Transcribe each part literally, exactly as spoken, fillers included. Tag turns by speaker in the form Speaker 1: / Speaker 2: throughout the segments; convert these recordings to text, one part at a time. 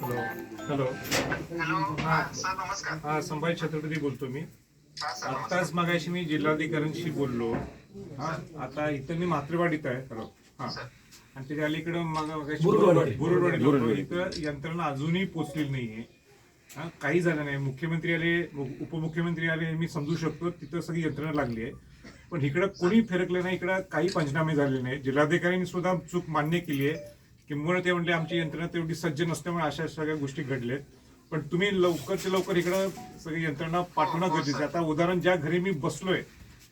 Speaker 1: Hello hello
Speaker 2: hello
Speaker 1: हा
Speaker 2: sir नमस्कार.
Speaker 1: हा संभाजी छत्रपती बोलतो मी.
Speaker 2: हा सर नमस्कार.
Speaker 1: आत्ताच मगाशी मी जिल्हाधिकाऱ्यांशी बोललो. हा आता इथं मी म्हात्रेवाडीत आहे. हॅलो हा
Speaker 2: सर
Speaker 1: आणि त्याच्या अलीकडं मग मगाशी
Speaker 3: बुरुडवाडी.
Speaker 1: बुरुडवाडीला होतो. इथं यंत्रणा अजूनही पोचलेली नाहीये. हा काही झालं नाही. मुख्यमंत्री आले, उपमुख्यमंत्री आले, मी समजू शकतो तिथं सगळी यंत्रणा लागली आहे. पण इकडं कोणी फिरकलं नाही. इकडं काही पंचनामे झाले नाही. जिल्हाधिकाऱ्यांनी सुद्धा चूक मान्य केली आहे. किंबहुना ते म्हणले आमची यंत्रणा तेवढी सज्ज नसल्यामुळे अशा सगळ्या गोष्टी घडल्यात. पण तुम्ही लवकरच्या लवकर इकडं सगळी यंत्रणा पाठवणं गरजेचं आहे. आता उदाहरण ज्या घरी मी बसलोय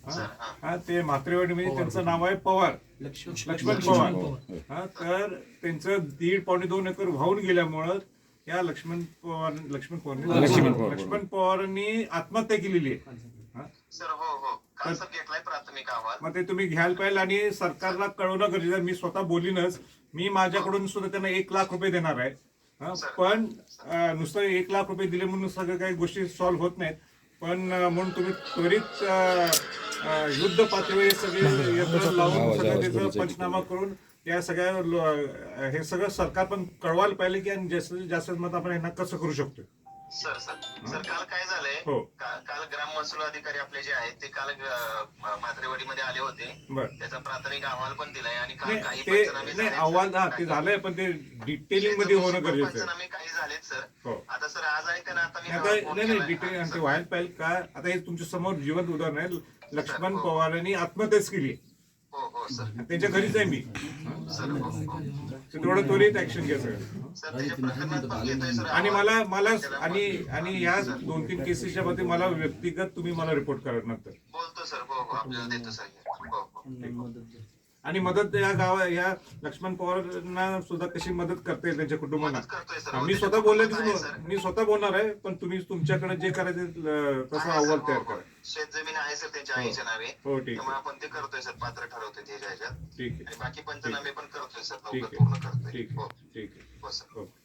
Speaker 1: हा ते म्हात्रेवाडीमध्ये त्यांचं नाव आहे पवार, लक्ष्मण पवार. हा तर त्यांचं दीड पावणे दोन एकर वाहून गेल्यामुळं या लक्ष्मण पवार लक्ष्मण पवार लक्ष्मण पवारांनी आत्महत्या केलेली आहे.
Speaker 2: सर हो हो काल सर घेतलाय प्राथमिक अहवाल.
Speaker 1: मग ते तुम्ही घ्यायला पाहिजे आणि सरकारला कळवणं गरजेचं आहे. मी स्वतः बोलीनच. मी माझ्याकडून सुद्धा त्यांना एक लाख रुपये देणार आहे. पण नुसतं एक लाख रुपये दिले म्हणून सगळं काही गोष्टी सॉल्व्ह होत नाहीत. पण म्हणून तुम्ही त्वरित युद्ध पातळीवर सगळे यंत्रणा लावून सगळं त्याचा पंचनामा करून या सगळ्या हे सगळं सरकार पण कळवायला पाहिजे की जास्तीत जास्त मत आपण यांना कसं करू शकतो.
Speaker 2: सर सर सर काल काय झालंय,
Speaker 1: हो
Speaker 2: काल ग्राम महसूल अधिकारी आपले जे आहेत ते काल म्हात्रेवाडीमध्ये आले होते. त्याचा प्राथमिक अहवाल पण दिलाय आणि काल काही
Speaker 1: ते
Speaker 2: पंचनामे
Speaker 1: नाही
Speaker 2: झाले.
Speaker 1: अहवाल हा ते झालंय पण ते डिटेलिंग मध्ये होणं गरजेचं आहे.
Speaker 2: पंचनामे काही झालेत सर.
Speaker 1: हो
Speaker 2: आता सर आज आहे का ना आता मी
Speaker 1: आता
Speaker 2: फोन
Speaker 1: नाही नाही
Speaker 2: केलाय.
Speaker 1: डिटेल
Speaker 2: हा,
Speaker 1: आणि ते
Speaker 2: सर.
Speaker 1: व्हायला पाहिजे का. आता हे तुमच्या समोर जिवंत उदाहरण आहे. लक्ष्मण पवारांनी आत्महत्याच केली.
Speaker 2: हो हो सर
Speaker 1: त्यांच्या घरीच आहे मी.
Speaker 2: सर हो हो
Speaker 1: तेवढं त्वरित ऍक्शन घ्या सगळं.
Speaker 2: सर त्याच्या प्रकरणात पण घेतोय सर.
Speaker 1: आणि मला मला आणि आणि या दोन तीन केसेसच्या मध्ये मला व्यक्तिगत तुम्ही मला रिपोर्ट करा नंतर.
Speaker 2: बोलतो सर हो हो आपल्याला देतो सर. हो हो
Speaker 1: आणि मदत या गावा या लक्ष्मण पवारांना सुद्धा कशी मदत करता येईल त्यांच्या कुटुंबांना.
Speaker 2: मदत करतोय सर.
Speaker 1: हा, मी स्वतः बोलले मी स्वतः बोलणार आहे. पण तुम्ही तुमच्याकडे जे करायचं तसं अहवाल तयार करा.
Speaker 2: शेत जमीन आहे सर त्यांच्या आईच्या नावे.
Speaker 1: हो ठीक
Speaker 2: त्यामुळे
Speaker 1: आहे
Speaker 2: आपण ते करतोय सर. पात्र ठरवतोय त्याच्या ह्याच्यात.
Speaker 1: ठीक
Speaker 2: आणि
Speaker 1: आहे
Speaker 2: बाकी पंचनामे पण करतोय सर.
Speaker 1: ठीक
Speaker 2: लवकर
Speaker 1: आहे
Speaker 2: पूर्ण करतोय.
Speaker 1: ठीक
Speaker 2: हो
Speaker 1: आहे ठीक आहे
Speaker 2: हो सर.
Speaker 1: हो.